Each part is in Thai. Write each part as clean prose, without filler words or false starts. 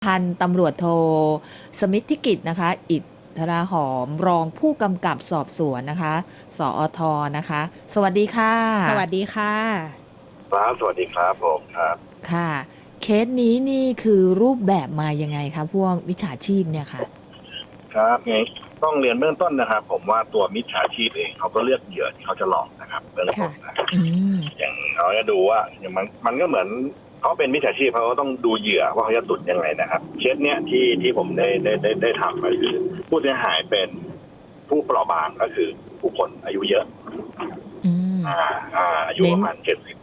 พันตำรวจโทสมิทธิกิจนะคะอิทราหอมรองผู้กำกับสอบสวนนะคะสอทนะคะสวัสดีค่ะสวัสดีค่ะครับสวัสดีครับผมครับค่ะเคสนี้นี่คือรูปแบบมายังไงคะพวกวิชาชีพเนี่ยค่ะครับไงต้องเรียนเบื้องต้นนะครับ ผมว่าตัวมิจฉาชีพเองเขาก็เลือกเหยื่อที่เขาจะหลอกนะครับเบื้องต้ค่ะนนะครับอืมอย่างเขาจะดูว่าอย่างมันก็เหมือนเขาเป็นมิจฉาชีพเขาก็ต้องดูเหยื่อว่าเขาจะตุนยังไงนะครับเคสเนี้ยที่ผมได้ทำก็คือผู้เสียหายเป็นผู้เปราะบางก็คือผู้คนอายุเยอะอืมอายุเน้นประมาณ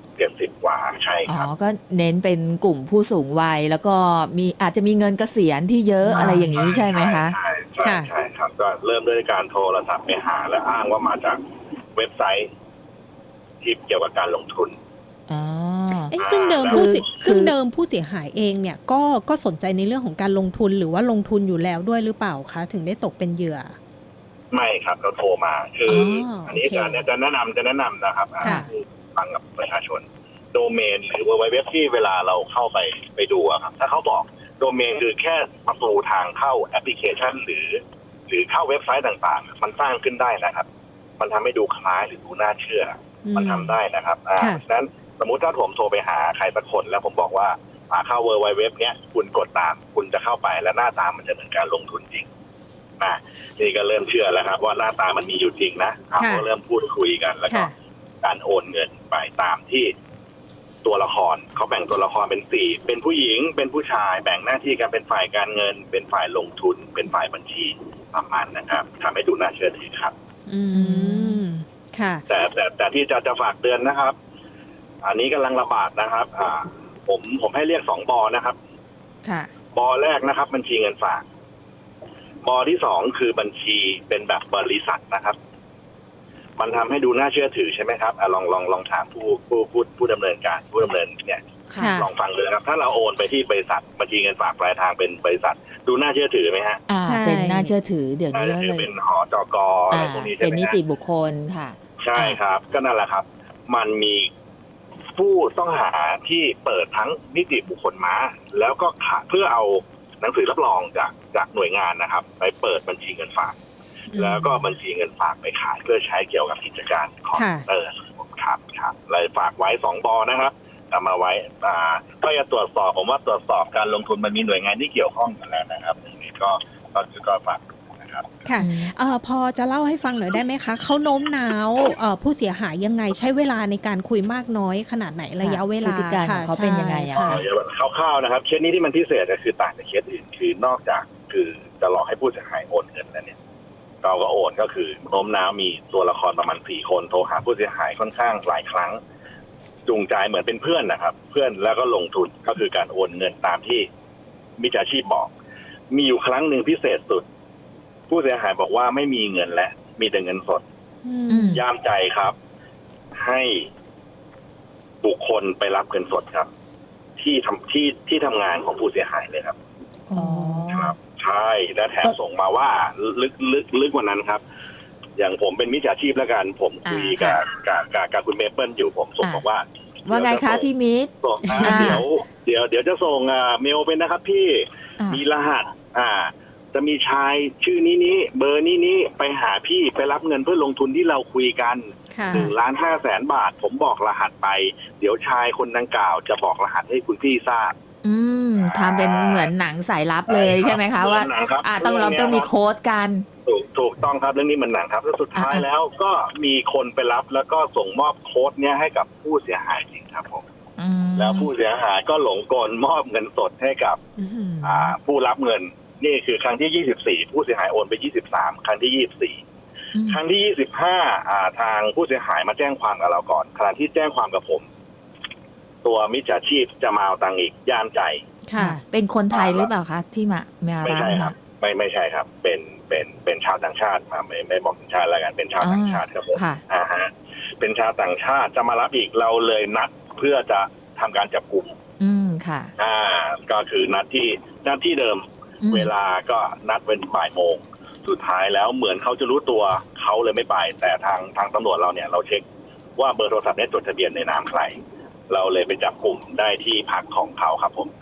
70กว่าใช่อ๋อครับก็เน้นเป็นกลุ่มผู้สูงวัยแล้วก็อาจจะมีเงินเกษียณที่เยอะอะไรอย่างนี้ใช่ไหมคะใช่ครับก็เริ่มด้วยการโทรศัพท์ไปหาและอ้างว่ามาจากเว็บไซต์ที่เกี่ยวกับการลงทุนอ๋อซึ่งเดิมแล้วผู้เสียหายเองเนี่ยก็สนใจในเรื่องของการลงทุนหรือว่าลงทุนอยู่แล้วด้วยหรือเปล่าคะถึงได้ตกเป็นเหยื่อไม่ครับเขาโทรมาคืออันนี้โอเคจะแนะนำนะครับค่ะฟังกับประชาชนโดเมนหรือเว็บที่เวลาเราเข้าไปดูอะครับถ้าเขาบอกโดเมนคือแค่ประตูทางเข้าแอปพลิเคชันหรือเข้าเว็บไซต์ต่างๆมันสร้างขึ้นได้นะครับมันทำให้ดูคล้ายหรือดูน่าเชื่อมันทำได้นะครับฉะนั้นสมมุติถ้าผมโทรไปหาใครสักคนแล้วผมบอกว่าเข้าเว็บเนี้ยคุณกดตามคุณจะเข้าไปแล้วหน้าตามันจะเหมือนการลงทุนจริงนี่ก็เริ่มเชื่อแล้วครับว่าหน้าตามันมีอยู่จริงนะก็เริ่มพูดคุยกันแล้วก็การโอนเงินไปตามที่ตัวละครเขาแบ่งตัวละครเป็น4เป็นผู้หญิงเป็นผู้ชายแบ่งหน้าที่กันเป็นฝ่ายการเงินเป็นฝ่ายลงทุนเป็นฝ่ายบัญชีประมาณนะครับทำให้ดูน่าเชื่อถือครับค่ะแต่ที่จะฝากเตือนนะครับอันนี้กำลังระบาดนะครับผมให้เรียก2 บอนะครับค่ะบอแรกนะครับบัญชีเงินฝากบอที่2คือบัญชีเป็นแบบบริษัทนะครับมันทำให้ดูน่าเชื่อถือใช่ไหมครับลองถามผู้ดำเนินการผู้ดำเนินเนี่ยลองฟังเลยครับถ้าเราโอนไปที่บริษัทบัญชีเงินฝากปลายทางเป็นบริษัทดูน่าเชื่อถือไหมฮะเป็นน่าเชื่อถือเดี๋ยวนี้เลยเป็นหจก.อะไรพวกนี้ใช่ไหมเป็นนิติบุคคลค่ะใช่ครับก็นั่นแหละครับมันมีผู้ต้องหาที่เปิดทั้งนิติบุคคลม้าแล้วก็เพื่อเอาหนังสือรับรองจากหน่วยงานนะครับไปเปิดบัญชีเงินฝากแล้วก็บัญชีเงินฝากไปขายเพื่อใช้เกี่ยวกับกิจการของครับเลยฝากไว้2 บอนะครับเอามาไว้ก็จะตรวจสอบผมว่าตรวจสอบการลงทุนมันมีหน่วยงานที่เกี่ยวข้องกันแล้วนะครับนี่ก็ฝากนะครับค่ะพอจะเล่าให้ฟังหน่อยได้ไหมคะเขาโน้มน้าวผู้เสียหายยังไงใช้เวลาในการคุยมากน้อยขนาดไหนระยะเวลาพฤติการของเขาเป็นยังไงอะคร่าวๆนะครับเคสนี้ที่มันพิเศษก็คือต่างจากเคสอื่นคือนอกจากคือจะหลอกให้ผู้เสียหายโอนเงินแล้วเนี่ยเราก็โอนก็คือโน้มน้าวมีตัวละครประมาณ4 คนโทรหาผู้เสียหายค่อนข้างหลายครั้งจูงใจเหมือนเป็นเพื่อนนะครับเพื่อนแล้วก็ลงทุนก็คือการโอนเงินตามที่มิจฉาชีพบอกมีอยู่ครั้งหนึ่งพิเศษสุดผู้เสียหายบอกว่าไม่มีเงินและมีแต่เงินสดย่ามใจครับให้บุคคลไปรับเงินสดครับที่ทำงานของผู้เสียหายเลยครับครับใช่และแถมส่งมาว่าลึกกว่านั้นครับอย่างผมเป็นมิจฉาชีพแล้วกันผมคุยกับคุณเมเปิลอยู่ผมส่งบอกว่าไงคะพี่มิตรเดี๋ยวจะส่งเมลไปนะครับพี่มีรหัสจะมีชายชื่อนี้เบอร์นี้ไปหาพี่ไปรับเงินเพื่อลงทุนที่เราคุยกัน1,500,000 บาทผมบอกรหัสไปเดี๋ยวชายคนดังกล่าวจะบอกรหัสให้คุณพี่ทราบทำเป็นเหมือนหนังสายลับเลยใช่ไหมคะว่าต้องมีโค้ดกันถูกต้องครับเรื่องนี้มันหนังครับแล้วสุดท้ายแล้วก็มีคนไปรับแล้วก็ส่งมอบโค้ดเนี้ยให้กับผู้เสียหายจริงครับผมแล้วผู้เสียหายก็หลงกลมอบเงินสดให้กับผู้รับเงินนี่คือครั้งที่24ผู้เสียหายโอนไป23ครั้งที่24ครั้งที่25ทางผู้เสียหายมาแจ้งความกับเราก่อนขณะที่แจ้งความกับผมตัวมิจฉาชีพจะมาเอาตังค์อีกย่ามใจค่ะเป็นคนไทยหรือเปล่าคะที่มาไม่ใช่ครับไม่ใช่ครับเป็นชาวต่างชาติไม่บอกชาติแล้วกันเป็นชาวต่างชาติครับผมเป็นชาวต่างชาติจะมารับอีกเราเลยนัดเพื่อจะทำการจับกุมค่ะก็คือนัดที่เดิมเวลาก็นัดเป็นบ่ายโมงสุดท้ายแล้วเหมือนเขาจะรู้ตัวเขาเลยไม่ไปแต่ทางตำรวจเราเนี่ยเราเช็คว่าเบอร์โทรศัพท์นี้จดทะเบียนในนามใครเราเลยไปจับกลุ่มได้ที่พักของเขาครับผมครับ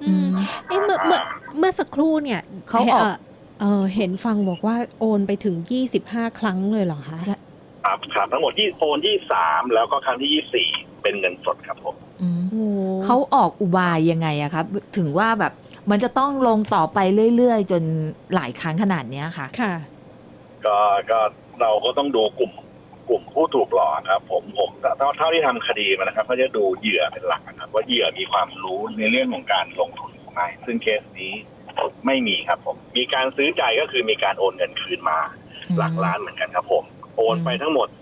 อืมเมื่อสักครู่เนี่ยเขาออกเห็นฟังบอกว่าโอนไปถึง25ครั้งเลยเหรอคะใช่ครับทั้งหมดโอน23แล้วก็ครั้งที่24เป็นเงินสดครับผมอืมโอ้เขาออกอุบายยังไงอะครับ ถึงว่าแบบมันจะต้องลงต่อไปเรื่อยๆ จนหลายครั้งขนาดเนี้ยค่ะค่ะก็เราก็ต้องดูกลุ่มผู้ถูกหลอกครับผมเท่าที่ทำคดีมานะครับเขาจะดูเหยื่อเป็นหลักนะครับว่าเหยื่อมีความรู้ในเรื่องของการลงทุนหรือไม่ซึ่งเคสนี้ไม่มีครับผมมีการซื้อใจก็คือมีการโอนเงินคืนมาหลักล้านเหมือนกันครับผมโอนไปทั้งหมด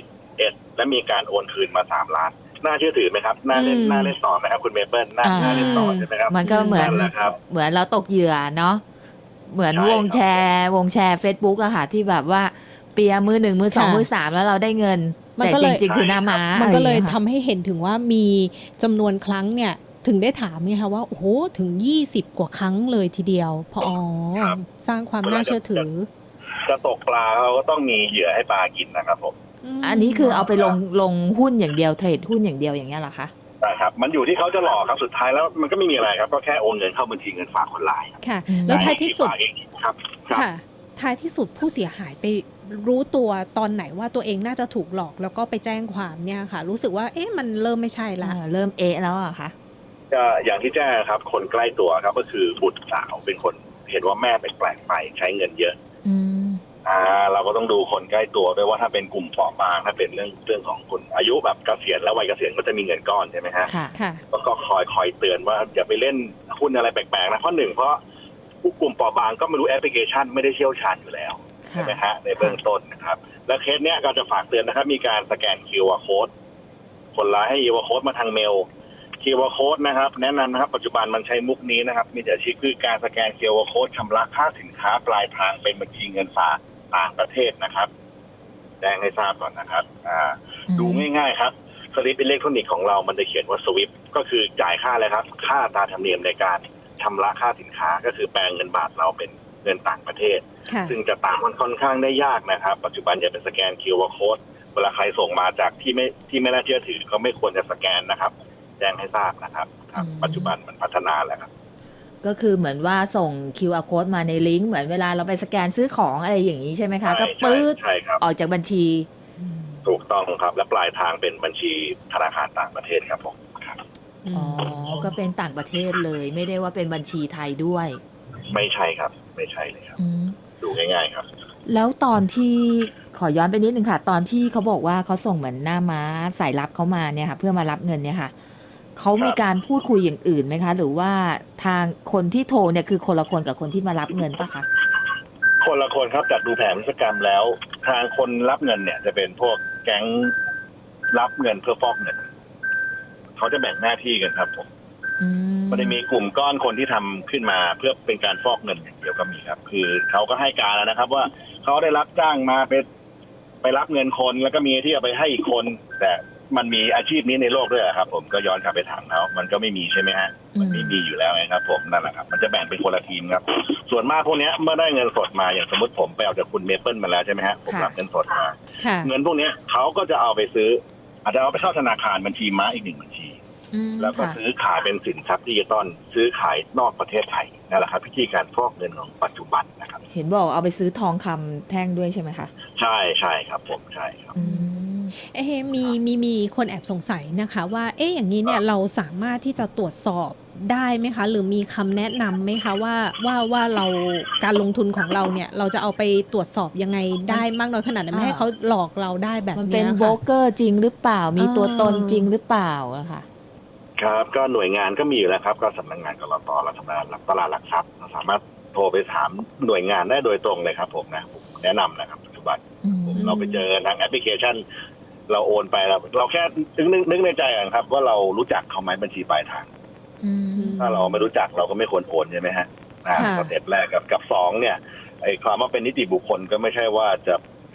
11และมีการโอนคืนมา3 ล้านน่าเชื่อถือไหมครับน่าเล่นต่อไหมครับคุณเมเปิลน่าเล่นต่อใช่ไหมครับมันก็เหมือนนั่นแหละครับเหมือนเราตกเหยื่อเนาะเหมือนใช่วงแชร์ Facebook อะค่ะที่แบบว่าเปียร์มือ1มือ2 ค่ะมือ3แล้วเราได้เงินมันแต่ก็จเลยริงๆคือหน้าม้ามันก็เลยอะไรอางงี้ทำให้เห็นถึงว่ามีจำนวนครั้งเนี่ยถึงได้ถามไงคะว่าโอ้โหถึง20กว่าครั้งเลยทีเดียวพอสร้างความน่าเชื่อถือจะตกปลาเราก็ต้องมีเหยื่อให้ปลากินนะครับผมอันนี้คือเอาไปลงหุ้นอย่างเดียวเทรดหุ้นอย่างเดียวอย่างเงี้ยเหรอคะนะครับมันอยู่ที่เขาจะหลอกครับสุดท้ายแล้วมันก็ไม่มีอะไรครับก็แค่โอนเงินเข้าบัญชีเงินฝากคนร้ายครับค่ะอืมแล้วท้ายที่สุดได้ครับครับค่ะ ท้ายที่สุดผู้เสียหายไปรู้ตัวตอนไหนว่าตัวเองน่าจะถูกหลอกแล้วก็ไปแจ้งความเนี่ยค่ะ รู้สึกว่าเอ๊ะมันเริ่มไม่ใช่ละเริ่มเอะแล้วอะค่ะก็อย่างที่แจ้งครับคนใกล้ตัวครับก็คือบุตรสาวเป็นคนเห็นว่าแม่แปลกๆไปใช้เงินเยอะอืมเราก็ต้องดูคนใกล้ตัวด้วยว่าถ้าเป็นกลุ่มเปราะบางถ้าเป็นเรื่องของคนอายุแบบเกษียณแล้ววัยเกษียณก็จะมีเงินก้อนใช่ไหมฮะค่ะค่ะก็คอยเตือนว่าอย่าไปเล่นหุ้นอะไรแปลกๆนะเพราะผู้กลุ่มเปราะบางก็ไม่รู้แอปพลิเคชันไม่ได้เชี่ยวชาญอยู่แล้วใช่ไหมฮะในเบื้องต้นนะครับและเคสเนี้ยก็จะฝากเตือนนะครับมีการสแกน QR code คนร้ายให้ QR code มาทางเมล QR code นะครับแนะนำนะครับปัจจุบันมันใช้มุกนี้นะครับมีแต่ชี้คือการสแกน QR code ชำระค่าสินค้าปลายทางเป็นบัญชีเงินฝากต่างประเทศนะครับแจ้งให้ทราบก่อนนะครับดูง่ายๆครับสลิปอิเล็กทรอนิกส์ของเรามันจะเขียนว่าสวิฟก็คือจ่ายค่าอะไรครับค่าอัตราธรรมเนียมในการชำระค่าสินค้าก็คือแปลงเงินบาทเราเป็นเงินต่างประเทศค่ะซึ่งจะตามมันค่อนข้างได้ยากนะครับปัจจุบันอย่าเป็นสแกน QR code เวลาใครส่งมาจากที่ไม่น่าเชื่อถือก็ไม่ควรจะสแกนนะครับแจ้งให้ทราบนะครับปัจจุบันมันพัฒนาแล้วครับก็คือเหมือนว่าส่ง QR code มาในลิงก์เหมือนเวลาเราไปสแกนซื้อของอะไรอย่างนี้ใช่ไหมคะ ก็ปื๊ดใช่ครับออกจากบัญชีถูกต้องครับและปลายทางเป็นบัญชีธนาคารต่างประเทศครับผมครับอ๋อ ก็เป็นต่างประเทศเลย ไม่ได้ว่าเป็นบัญชีไทยด้วยไม่ใช่ครับไม่ใช่เลยครับอืมดูง่ายๆครับแล้วตอนที่ขอย้อนไปนิดนึงค่ะ ตอนที่เขาบอกว่าเขาส่งเหมือนหน้าม้าสายลับเขามาเนี่ยค่ะ เพื่อมารับเงินเนี่ยค่ะเขามีการพูดคุยอย่างอื่นไหมคะ หรือว่าทางคนที่โทรเนี่ยคือคนละคนกับคนที่มารับเงินปะคะคนละคนครับจากดูแผนพฤติกรรมแล้ว ทางคนรับเงินเนี่ยจะเป็นพวกแก๊งรับเงินเพื่อฟอกเงินเขาจะแบ่งหน้าที่กันครับผมอืมมันจะมีกลุ่มก้อนคนที่ทำขึ้นมาเพื่อเป็นการฟอกเงินอย่างเดียวก็มีครับ คือเขาก็ให้การแล้วนะครับ ว่าเขาได้รับจ้างมาไปรับเงินคนแล้วก็มีที่เอาไปให้อีกคน แต่มันมีอาชีพนี้ในโลกด้วยเหรอครับ ผมก็ย้อนกลับไปถามเขามันก็ไม่มีใช่ไหมฮะมันไม่มีอยู่แล้วไงครับ ผมนั่นแหละครับ มันจะแบ่งเป็นคนละทีมครับ ส่วนมากพวกเนี้ยเมื่อได้เงินสดมาอย่างสมมติผมไปเอาจากคุณเมเปิลมาแล้วใช่ไหมฮะผมรับเงินสดมาค่ะเงินพวกเนี้ยเขาก็จะเอาไปซื้ออาจจะเอาไปเข้าธนาคารบัญชีม้าอีก1บัญชีอืมแล้วก็ค่ะซื้อขายเป็นสินทรัพย์ดิจิตอลซื้อขายนอกประเทศไทยนั่นแหละครับวิธีการฟอกเงินของปัจจุบันนะครับเห็นบอกเอาไปซื้อทองคำแท่งด้วยใช่ไหมคะใช่ครับผมใช่ครับอืมเอ๊ะมีคนแอบสงสัยนะคะว่าเอ๊ะอย่างนี้เนี่ยเราสามารถที่จะตรวจสอบได้ไหมคะ หรือมีคำแนะนำไหมคะว่าเราการลงทุนของเราเนี่ยเราจะเอาไปตรวจสอบยังไงได้มากน้อยขนาดไหนไม่ให้เขาหลอกเราได้แบบมันเนี้เป็ยนค่ะโบรกเกอร์จริงหรือเปล่า มีตัวตนจริงหรือเปล่านะคะครับก็หน่วยงานก็มีอยู่แล้วครับก็สำนักงานกลตรัฐบาลตลาดหลักทรัพย์เราสามารถโทรไปถามหน่วยงานได้โดยตรงเลยครับผมแนะนำนะครับปัจจุบันอืมเราไปเจอทางแอปพลิเคชัน เราโอนไปเราแค่นึกในใจกันครับว่าเรารู้จักเขาไหมบัญชีปลายทางอืมถ้าเราไม่รู้จักเราก็ไม่ควรโอนใช่ไหมฮะสเต็ปแรกกับ2เนี่ยไอ้ความว่าเป็นนิติบุคคลก็ไม่ใช่ว่าจะ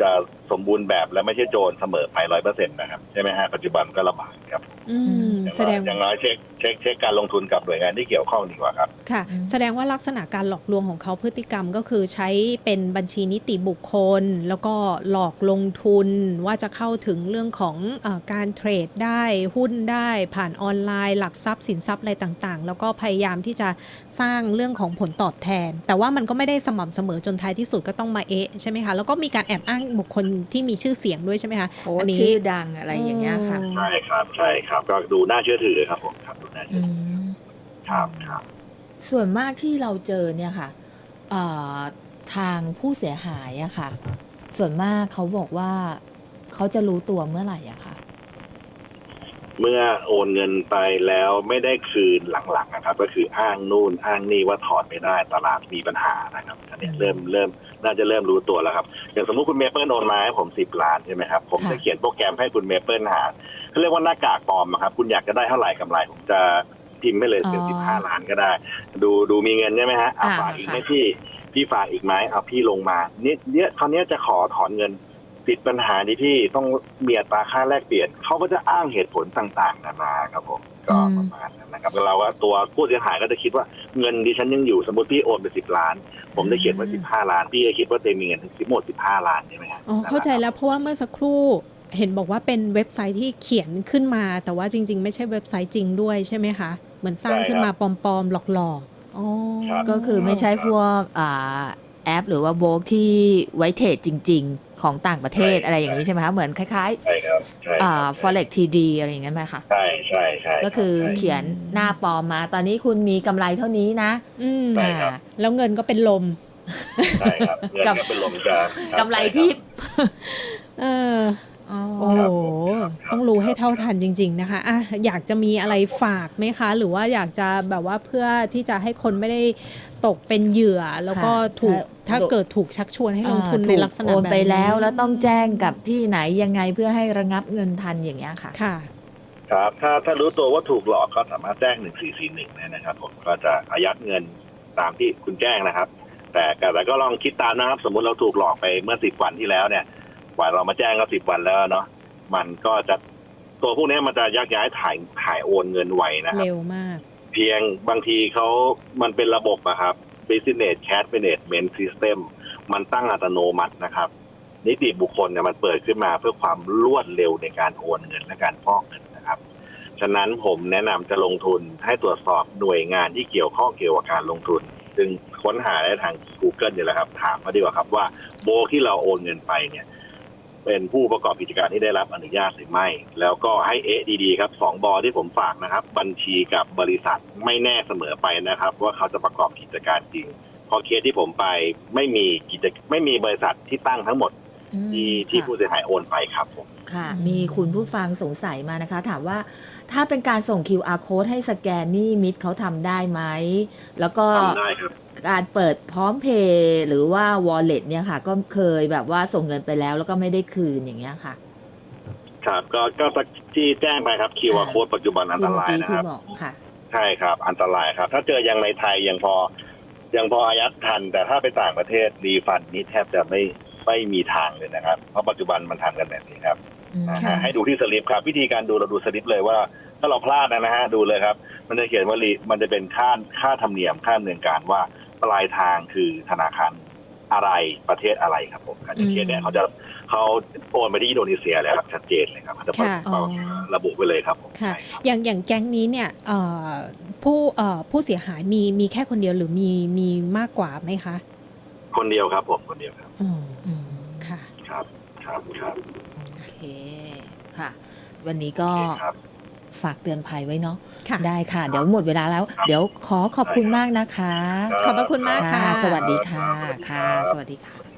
สมบูรณ์แบบและไม่ใช่โจรเสมอไป100%นะครับใช่ไหมฮะปัจจุบันก็ระบาดครับแสดงอย่างน้อยเช็คการลงทุนกับหน่วยงานที่เกี่ยวข้องดีกว่าครับค่ะ แสดงว่าลักษณะการหลอกลวงของเขาพฤติกรรมก็คือใช้เป็นบัญชีนิติบุคคล แล้วก็หลอกลงทุนว่าจะเข้าถึงเรื่องของการเทรดได้หุ้นได้ผ่านออนไลน์หลักทรัพย์สินทรัพย์อะไรต่างๆ แล้วก็พยายามที่จะสร้างเรื่องของผลตอบแทน แต่ว่ามันก็ไม่ได้สม่ำเสมอจนท้ายที่สุดก็ต้องมาใช่ไหมคะแล้วก็มีการแอบอ้างบุคคลที่มีชื่อเสียงด้วยใช่ไหมคะโค้ชชื่อดังอะไรอย่างเงี้ยค่ะใช่ครับก็ดูน่าเชื่อถือครับผมครับดูน่าเชื่อือถือมครับส่วนมากที่เราเจอเนี่ยค่ะเอ่อทางผู้เสียหายอะค่ะ ส่วนมากเขาบอกว่าเขาจะรู้ตัวเมื่อไหร่อะค่ะเมื่อโอนเงินไปแล้วไม่ได้คืนหลังๆนะครับ ก็คืออ้างนู่นอ้างนี่ว่าถอนไม่ได้ตลาดมีปัญหานะครับอันนี้เริ่มน่าจะเริ่มรู้ตัวแล้วครับอย่างสมมุติคุณเมเปิลโอนมาให้ผม10 ล้านใช่ไหมครับผมจะเขียนโปรแกรมให้คุณเมเปิลหาเขาเรียกว่าหน้ากากปลอมครับคุณอยากจะได้เท่าไหร่กำไรผมจะพิมพ์ให้เลยเป็น15 ล้านก็ได้ ดูมีเงินใช่ไหมฮะฝากอีกไหมพี่ฝากอีกไหมเอาพี่ลงมาเนี่ยคราวนี้จะขอถอนเงินติดปัญหาที่พี่ต้องมีอัตราค่าแลกเปลี่ยนเขาก็จะอ้างเหตุผลต่างๆนานาครับผมก็ประมาณนั้นนะครับเราว่าตัวผู้เสียหายก็จะคิดว่าเงินดิฉันยังอยู่สมมติพี่โอนไป10 ล้านผมได้เขียนไว้15 ล้านพี่จะคิดว่าเต็มมีเงินถึงหมด15 ล้านใช่ไหมครับเข้าใจแล้วเพราะว่าเมื่อสักครู่เห็นบอกว่าเป็นเว็บไซต์ที่เขียนขึ้นมาแต่ว่าจริงๆไม่ใช่เว็บไซต์จริงด้วยใช่ไหมคะเหมือนสร้างขึ้นมาปลอมๆหลอกๆก็คือไม่ใช่พวกแอปหรือว่าโบรกที่ไว้เทรดจริงๆของต่างประเทศอะไรอย่างนี้ใช่ไหมคะเหมือนคล้ายๆForex TD อะไรอย่างนั้นไหมคะใช่ก็คือเขียนหน้าปลอมมาตอนนี้คุณมีกำไรเท่านี้นะแล้วเงินก็เป็นลมใช่ครับเงินก็เป็นลมกำไรที่โอ้โหต้องรู้ให้เท่าทันจริงๆนะคะอยากจะมีอะไรฝากไหมคะหรือว่าอยากจะแบบว่าเพื่อที่จะให้คนไม่ได้ตกเป็นเหยื่อแล้วก็ถ้าเกิดถูกชักชวนให้ลงทุนในลักษณะแบบนี้โอนไปแล้วต้องแจ้งกับที่ไหนยังไงเพื่อให้ระงับเงินทันอย่างเงี้ยค่ะครับถ้ารู้ตัวว่าถูกหลอกก็สามารถแจ้ง1441นะครับผมก็จะอายัดเงินตามที่คุณแจ้งนะครับแต่ก็ลองคิดตามนะครับสมมุติเราถูกหลอกไปเมื่อ10 วันที่แล้วเนี่ยกว่าเรามาแจ้งก็10 วันแล้วเนาะมันก็จะตัวพวกนี้มันจะยักย้ายถ่ายโอนเงินไวนะครับเร็วมากเพียงบางทีมันเป็นระบบอะครับ Business Cash Management System มันตั้งอัตโนมัตินะครับนิติบุคคลเนี่ยมันเปิดขึ้นมาเพื่อความรวดเร็วในการโอนเงินและการฟอกเงินนะครับฉะนั้นผมแนะนำจะลงทุนให้ตรวจสอบหน่วยงานที่เกี่ยวข้องเกี่ยวกับการลงทุนซึ่งค้นหาได้ทาง Google นี่แหละครับถามมาดีกว่าครับว่าโบที่เราโอนเงินไปเนี่ยเป็นผู้ประกอบกิจการที่ได้รับอนุญาตหรือไม่แล้วก็ให้ดีๆครับ2 บอที่ผมฝากนะครับบัญชีกับบริษัทไม่แน่เสมอไปนะครับว่าเขาจะประกอบกิจการจริงพอเคสที่ผมไปไม่มีบริษัทที่ตั้งทั้งหมดที่ผู้เสียหายโอนไปครับผมค่ะมีคุณผู้ฟังสงสัยมานะคะถามว่าถ้าเป็นการส่ง QR code ให้สแกนนี่มิตรเขาทำได้ไหมแล้วก็ทำได้ครับการเปิดพร้อมเพย์หรือว่า Wallet เนี่ยค่ะก็เคยแบบว่าส่งเงินไปแล้วก็ไม่ได้คืนอย่างเงี้ยค่ะครับก็ที่แจ้งไปครับ QR code ปัจจุบันอันตรายนะครับใช่ครับอันตรายครับถ้าเจอยังในไทยยังพออายัดทันแต่ถ้าไปต่างประเทศรีฟันนี้แทบจะไม่มีทางเลยนะครับเพราะปัจจุบันมันทำกันแบบนี้ครับให้ดูที่สลิปครับวิธีการดูเราดูสลิปเลยว่าถ้าเราพลาดนะฮะดูเลยครับมันจะเขียนว่ามันจะเป็นค่าธรรมเนียมค่าดำเนินการว่าปลายทางคือธนาคารอะไรประเทศอะไรครับผมอย่างเช่นเนี่ยเขาโอนไปที่อินโดนีเซียแล้วชัดเจนเลยครับจะระบุไปเลยครับผมอย่างแก๊งนี้เนี่ยผู้เสียหายมีแค่คนเดียวหรือมีมากกว่าไหมคะคนเดียวครับผมคนเดียวครับค่ะครับโอเคค่ะวันนี้ก็ฝากเตือนภัยไว้เนาะได้ค่ะเดี๋ยวหมดเวลาแล้วเดี๋ยวขอบคุณมากนะคะขอบพระคุณมากค่ะสวัสดีค่ะสวัสดีค่ะ